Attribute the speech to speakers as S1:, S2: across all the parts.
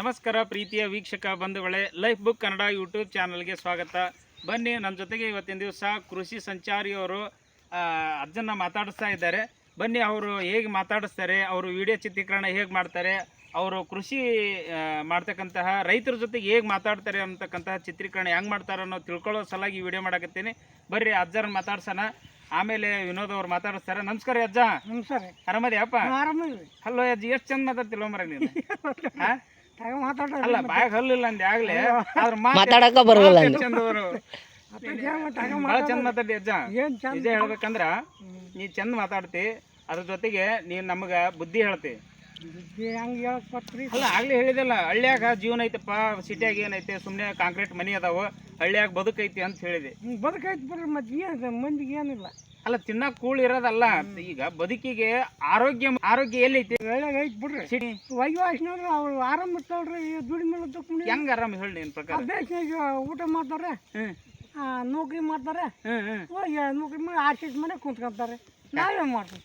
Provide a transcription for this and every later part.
S1: ನಮಸ್ಕಾರ ಪ್ರೀತಿಯ ವೀಕ್ಷಕ ಬಂಧುಗಳೇ, ಲೈಫ್ ಬುಕ್ ಕನ್ನಡ ಯೂಟ್ಯೂಬ್ ಚಾನಲ್ಗೆ ಸ್ವಾಗತ. ಬನ್ನಿ, ನನ್ನ ಜೊತೆಗೆ ಇವತ್ತಿನ ದಿವಸ ಕೃಷಿ ಸಂಚಾರಿಯವರು ಅಜ್ಜನ್ನ ಮಾತಾಡಿಸ್ತಾ ಇದ್ದಾರೆ. ಬನ್ನಿ, ಅವರು ಹೇಗೆ ಮಾತಾಡಿಸ್ತಾರೆ, ಅವರು ವಿಡಿಯೋ ಚಿತ್ರೀಕರಣ ಹೇಗೆ ಮಾಡ್ತಾರೆ, ಅವರು ಕೃಷಿ ಮಾಡ್ತಕ್ಕಂತಹ ರೈತರ ಜೊತೆಗೆ ಹೇಗೆ ಮಾತಾಡ್ತಾರೆ ಅಂತಕ್ಕಂತಹ ಚಿತ್ರೀಕರಣ ಹೆಂಗೆ ಮಾಡ್ತಾರೆ ಅನ್ನೋ ತಿಳ್ಕೊಳ್ಳೋ ಸಲಾಗಿ ವಿಡಿಯೋ ಮಾಡಕತ್ತೀನಿ. ಬರ್ರಿ ಅಜ್ಜರನ್ನ ಮಾತಾಡ್ಸೋಣ, ಆಮೇಲೆ ವಿನೋದ್ ಅವ್ರು ಮಾತಾಡಿಸ್ತಾರೆ. ನಮಸ್ಕಾರ ಅಜ್ಜ.
S2: ನಮಸ್ಕಾರ.
S1: ಆರಾಮದಿಯಪ್ಪ? ಹಲೋ ಅಜ್ಜ, ಎಷ್ಟು ಚಂದ ಮಾತಾಡ್ತಿಲ್ವ ಮರ ನೀನು? ಅಲ್ಲ, ಬಾಯಾಗ ಹಲ್ಲಿಲ್ಲ ಅಂದೆ ಆಗ್ಲೇ,
S3: ಮಾತಾಡಕ ಬರಲ್ಲ
S1: ಚಂದವರು ಭಾಳ ಚಂದ ಮಾತಾಡಿ ಅಜ್ಜ. ನಿಜ ಹೇಳ್ಬೇಕಂದ್ರ ನೀ ಚಂದ ಮಾತಾಡ್ತಿ, ಅದ್ರ ಜೊತೆಗೆ ನೀನ್ ನಮಗ ಬುದ್ಧಿ ಹೇಳ್ತಿ. ಅಲ್ಲ, ಆಗ್ಲೇ ಹೇಳಿದಲ್ಲ, ಹಳ್ಳಿಯಾಗ ಜೀವನ ಐತಪ್ಪ, ಸಿಟಿಯಾಗ ಏನೈತೆ, ಸುಮ್ಮನೆ ಕಾಂಕ್ರೀಟ್ ಮನಿ ಅದಾವ, ಹಳ್ಳಿಯಾಗ ಬದುಕೈತಿ ಅಂತ ಹೇಳಿದೆ.
S2: ಬದುಕೈತಿ ಬಿಡ್ರಿ, ಮತ್ತೆ ಮಂದಿಗೆ ಏನಿಲ್ಲ.
S1: ಅಲ್ಲ, ತಿನ್ನಾಕ ಕೂಳ್ ಇರೋದಲ್ಲ, ಈಗ ಬದುಕಿಗೆ ಆರೋಗ್ಯ ಎಲ್ಲೈತಿ?
S2: ಹಳ್ಳಿಯಾಗ ಐತಿ ಬಿಡ್ರಿ. ಸಿಟಿ ವಯಸ್ಸಿನವ್ರು ಅವ್ರು ಆರಾಮ್ ಇರ್ತಾವ್ರಿ, ದುಡಿಮೆ
S1: ಹೆಂಗ ಆರಾಮ್ ಹೇಳಿ ನಿನ್ ಪ್ರಕಾರ?
S2: ದೇಶನಾಗ ಊಟ ಮಾಡ್ತಾರೆ, ನೌಕರಿ ಮಾಡ್ತಾರೆ, ನೌಕರಿ ಮಾಡಿ ಆರ್ಸಿಸ್ ಮನೆ ಕುಂತ್ಕೊಂತಾರೆ. ನಾವೇನ್ ಮಾಡ್ತೀವಿ?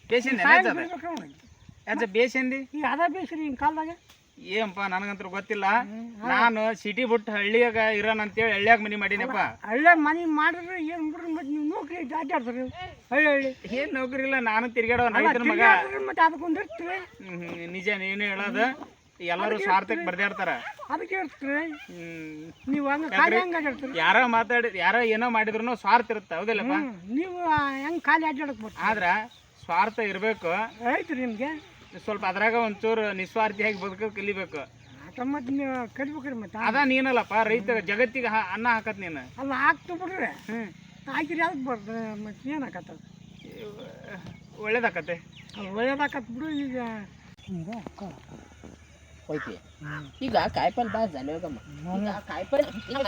S1: ಬೇಸಂದಿ
S2: ಈಗ ಅದ ಬೇಸ್ರಿ ಹಿಂಗ್ ಕಾಲದಾಗ.
S1: ಏನಪ್ಪ, ನನಗಂತೂ ಗೊತ್ತಿಲ್ಲ. ನಾನು ಸಿಟಿ ಬಿಟ್ಟು ಹಳ್ಳಿಯಾಗ ಇರೋಣ ಅಂತೇಳಿ ಹಳ್ಳಿಯಾಗ ಮನಿ ಮಾಡೀನಪ್ಪ.
S2: ಹಳ್ಳಿಯಾಗ ಮನಿ ಮಾಡಿದ್ರೆ ಏನ್ ಬಿಡ್ರಿ, ಮತ್ತೆ ನೀವು ನೌಕರಿ ಅಡ್ಡಾಡ್ತಾರೆ ಹಳ್ಳಿ.
S1: ಏನ್ ನೌಕರಿ ಇಲ್ಲ, ನಾನು ತಿರ್ಗಾಡೋ ರೈತರ ಮಗ.
S2: ಮತ್ತೆ ಅದಕ್ಕೊಂದು ಇರ್ತೀವಿ.
S1: ನಿಜ, ನೀನು ಹೇಳೋದು. ಎಲ್ಲರೂ ಸ್ವಾರ್ಥಕ್ಕೆ ಬರ್ದಾಡ್ತಾರ,
S2: ಅದಕ್ಕೆ ಇರ್ತೀರಿ ನೀವು.
S1: ಯಾರ ಏನೋ ಮಾಡಿದ್ರು ಸ್ವಾರ್ಥ ಇರುತ್ತೆ, ಹೌದಿಲ್ಲಪ್ಪ?
S2: ನೀವು ಹೆಂಗ್ ಖಾಲಿ ಅಡ್ಡಾಡಕ್ ಬರ್ತೀವಿ,
S1: ಆದ್ರ ಸ್ವಾರ್ಥ ಇರ್ಬೇಕು.
S2: ಆಯ್ತು ನಿಮ್ಗೆ
S1: ಸ್ವಲ್ಪ ಅದ್ರಾಗ ಒಂಚೂರು ನಿಸ್ವಾರ್ಥಿಯಾಗಿ ಬದುಕೋದು ಕಲಿಬೇಕು.
S2: ಮತ್ತೆ ನೀವು ಕಲಿಬೇಕ್ರಿ. ಮತ್ತೆ
S1: ಅದ ನೀನಲ್ಲಪ್ಪ ರೈತ ಜಗತ್ತಿಗೆ ಅನ್ನ ಹಾಕತ್ ನೀನು.
S2: ಅಲ್ಲ, ಹಾಕ್ತು ಬಿಡ್ರಿ. ಹಾಕಿರಿ ಅದಕ್ಕೆ ಬರ್ತದೆ, ಮತ್ತೆ ಏನು ಹಾಕತ್ತ?
S1: ಒಳ್ಳೇದಾಕತ್ತೆ.
S2: ಒಳ್ಳೇದಾಕತ್ ಬಿಡು. ಈಗ
S3: ಹೋಯ್ತಿ ಈಗ ಕಾಯಿಪಲ್ಲೆ ಬಾ ಜಾಲಿ ಹೋಗಮ್ಮ. ಈಗ ಕಾಯಿಪಲ್ಲೆ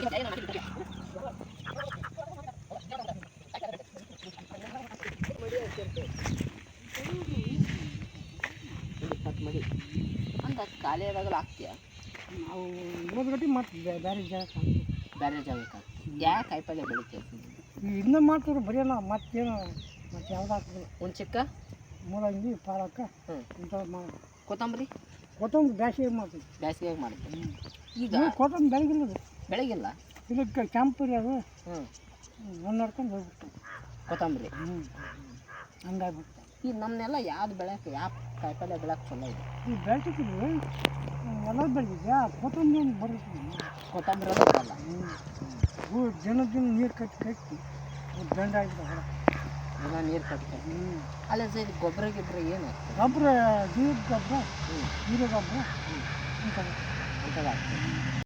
S3: ಅಂತ ಖಾಲಿ ಆದಾಗಲ್ಲ ಹಾಕ್ತೀಯ
S2: ನಾವು ಓದ್ಗಟ್ಟಿ ಮಾಡ್ತೀವಿ. ಬೇರೆ ಜಾಗಕ್ಕೆ
S3: ಹಾಕ್ತೀವಿ. ಯಾಕೆ ಕಾಯಿಪಲ್ಲೆ ಬೆಳಿತೀವಿ?
S2: ಇದನ್ನ ಮಾಡ್ತೀವಿ ಬರೆಯಲ್ಲ. ಮತ್ತೇನು ಮತ್ತೆ ಯಾವ್ದು ಹಾಕ್ತೀವಿ?
S3: ಹುಣ್ಚಿಕ್ಕ,
S2: ಮೂಲಂಗಿ, ಪಾಲಕ, ಇಂಥದ್ದು ಮಾಡಿ.
S3: ಕೊತ್ತಂಬರಿ
S2: ಬೇಸಿಗೆ ಮಾಡ್ತೀವಿ.
S3: ಬೇಸಿಗೆಯಾಗಿ ಮಾಡ್ತೀವಿ. ಈಗ
S2: ಕೊತ್ತಂಬರಿ ಬೆಳಗಿಲ್ಲ,
S3: ಬೆಳಗಿಲ್ಲ.
S2: ಇದಕ್ಕೆ ಕೆಂಪು ರೀ ಅದು. ಒಂದು ನಡ್ಕೊಂಡು ಹೋಗ್ಬಿಟ್ಟು
S3: ಕೊತ್ತಂಬರಿ
S2: ಹಂಗಾಗ್ಬಿಡ್ತು.
S3: ಈಗ ನಮ್ಮನ್ನೆಲ್ಲ ಯಾವ್ದು ಬೆಳೆಯೋಕೆ, ಯಾವ ಕಾಯಿಪಲ್ಲೆ ಬೆಳೆಯೋಕೆ ಚಲೋ ಇದೆ?
S2: ಈಗ ಬೆಳ್ತಿದ್ವಿ, ಎಲ್ಲ ಬೆಳೆದಿದ್ದೆ. ಕೊತ್ತಂಬರಿ ಒಂದು ಬರುತ್ತೆ.
S3: ಕೊತ್ತಂಬರಿ ಅದು ಬರಲ್ಲ.
S2: ದಿನ ನೀರು ಕಟ್ಟಿ ದಂಡ ಆಗಿಬಿಟ್ಟು ಹೊರ
S3: ದಿನ ನೀರು ಕಟ್ಟಿ. ಅಲ್ಲ ಸರ್, ಗೊಬ್ಬರ ಏನು?
S2: ಗೊಬ್ಬರ, ಜೀವದ ಗೊಬ್ಬರ, ಹೀರೆ ಗೊಬ್ಬರ
S3: ಅಂಥದ್ದು ಆಗ್ತದೆ.